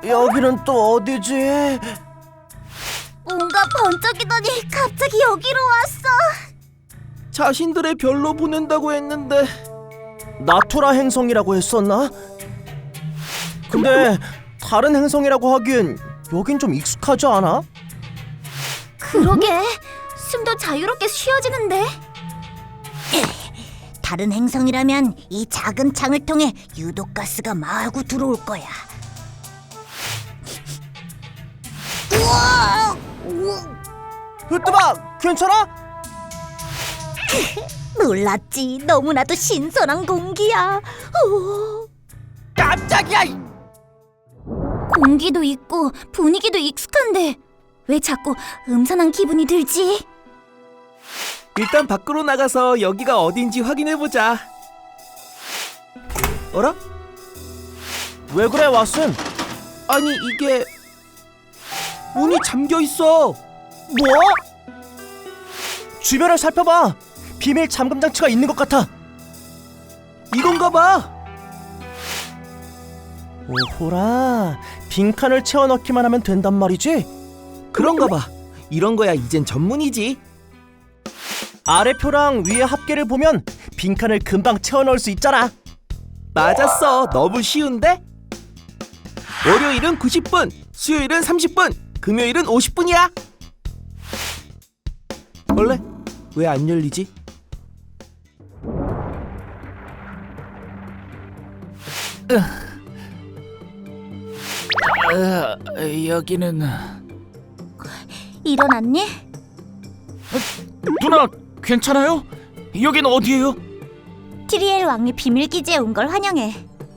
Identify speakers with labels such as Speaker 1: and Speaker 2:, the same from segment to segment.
Speaker 1: 여기는 또 어디지?
Speaker 2: 뭔가 번쩍이더니 갑자기 여기로 왔어.
Speaker 3: 자신들의 별로 보낸다고 했는데
Speaker 1: 나투라 행성이라고 했었나? 근데 다른 행성이라고 하기엔 여긴 좀 익숙하지 않아?
Speaker 2: 그러게, 숨도 자유롭게 쉬어지는데. 다른 행성이라면 이 작은 창을 통해 유독가스가 마구 들어올 거야. 우와!
Speaker 1: 으뜸아, 괜찮아?
Speaker 2: 놀랐지. 너무나도 신선한 공기야.
Speaker 1: 깜짝이야!
Speaker 2: 공기도 있고 분위기도 익숙한데 왜 자꾸 음산한 기분이 들지?
Speaker 3: 일단 밖으로 나가서 여기가 어딘지 확인해보자. 어라?
Speaker 1: 왜 그래, 왓슨?
Speaker 3: 아니 이게 문이 잠겨있어.
Speaker 1: 뭐? 주변을 살펴봐. 비밀 잠금 장치가 있는 것 같아.
Speaker 3: 이건가 봐.
Speaker 1: 오호라, 빈칸을 채워 넣기만 하면 된단 말이지?
Speaker 3: 그런가 봐. 이런 거야 이젠 전문이지.
Speaker 1: 아래 표랑 위에 합계를 보면 빈칸을 금방 채워 넣을 수 있잖아.
Speaker 3: 맞았어. 너무 쉬운데? 월요일은 90분, 수요일은 30분, 금요일은 50분이야. 원래 왜 안 열리지? 여기는...
Speaker 2: 일어났니?
Speaker 4: 누나, 괜찮아요? 여긴 어디예요?
Speaker 2: 티리엘 왕의 비밀기지에 온 걸 환영해.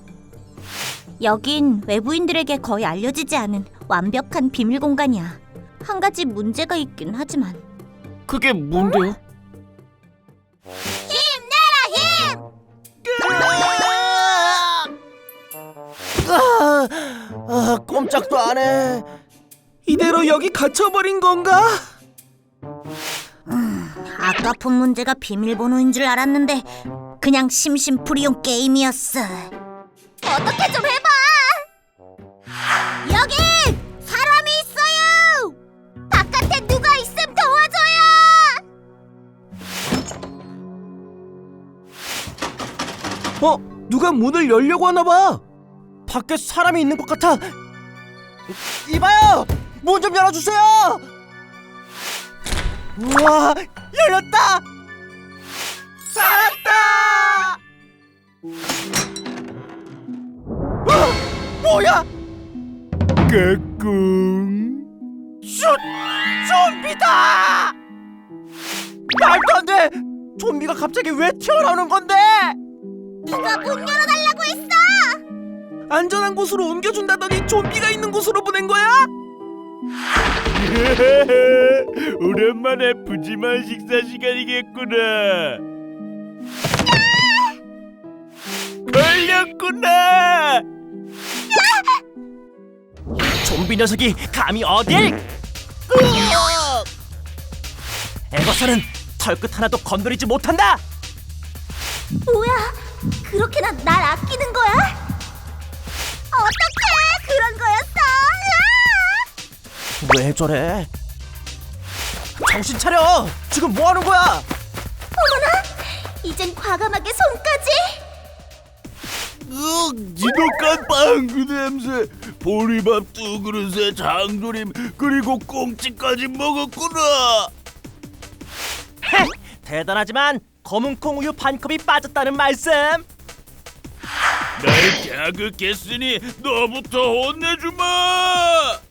Speaker 2: 여긴 외부인들에게 거의 알려지지 않은 완벽한 비밀 공간이야. 한 가지 문제가 있긴 하지만.
Speaker 4: 그게 뭔데요?
Speaker 1: 꼼짝도 안 해.
Speaker 3: 이대로 여기 갇혀버린 건가?
Speaker 2: 아까 푼 문제가 비밀번호인 줄 알았는데 그냥 심심풀이용 게임이었어. 어떻게 좀 해봐. 여기 사람이 있어요. 바깥에 누가 있음 도와줘요.
Speaker 3: 누가 문을 열려고 하나 봐.
Speaker 1: 밖에 사람이 있는 것 같아. 이봐요, 문 좀 열어주세요. 우와, 열렸다. 살았다. 뭐야?
Speaker 3: 까꿍.
Speaker 1: 좀비다! 말도 안 돼! 좀비가 갑자기 왜 튀어나오는 건데?
Speaker 2: 누가 문 열어달라고 했어.
Speaker 3: 안전한 곳으로 옮겨준다더니 좀비가 있는 곳으로 보낸 거야?
Speaker 4: 오랜만에 푸짐한 식사 시간이겠구나. 걸렸구나.
Speaker 1: 좀비 녀석이 감히 어딜? 에버서는 털끝 하나도 건드리지 못한다!
Speaker 2: 뭐야? 그렇게나 날 아끼는 거야? 어떡해? 그런 거였어?
Speaker 1: 왜 저래? 정신 차려! 지금 뭐 하는 거야?
Speaker 2: 이젠 과감하게 손까지?
Speaker 4: 지독한 빵그 냄새, 보리밥 두 그릇에 장조림 그리고 꽁치까지 먹었구나.
Speaker 1: 헤! 대단하지만 검은콩 우유 반컵이 빠졌다는 말씀!
Speaker 4: 날 자극했으니 너부터 혼내주마.